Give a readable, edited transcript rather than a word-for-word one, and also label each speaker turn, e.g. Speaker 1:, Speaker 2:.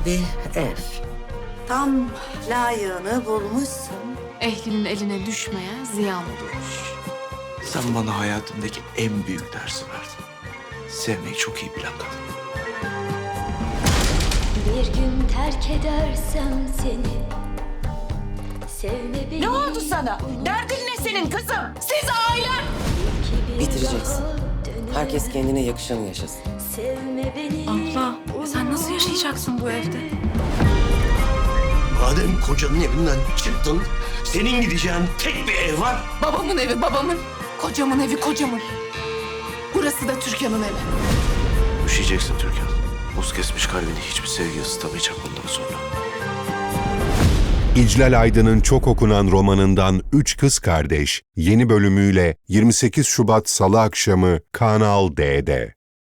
Speaker 1: bir ev. Tam layığını bulmuşsun.
Speaker 2: Ehlinin eline düşmeye ziyan olurmuş.
Speaker 3: Sen bana hayatımdaki en büyük dersi verdin. Sevmeyi çok iyi bilen kadın.
Speaker 4: Bir gün terk edersem seni, sevme beni.
Speaker 5: Ne oldu sana? Derdin ne senin kızım? Siz ailem!
Speaker 6: Bitireceksin. Herkes kendine yakışanı yaşasın.
Speaker 4: Sevme beni.
Speaker 2: Abla, sen nasıl yaşayacaksın bu evde?
Speaker 7: Madem kocanın evinden çıktın, senin gideceğin tek bir ev var.
Speaker 2: Babamın evi babamın, kocamın evi kocamın. Burası da Türkan'ın evi.
Speaker 3: Üşüyeceksin Türkan. Buz kesmiş kalbini hiçbir sevgi ısıtamayacak bundan sonra.
Speaker 8: İclal Aydın'ın çok okunan romanından Üç Kız Kardeş yeni bölümüyle 28 Şubat Salı akşamı Kanal D'de.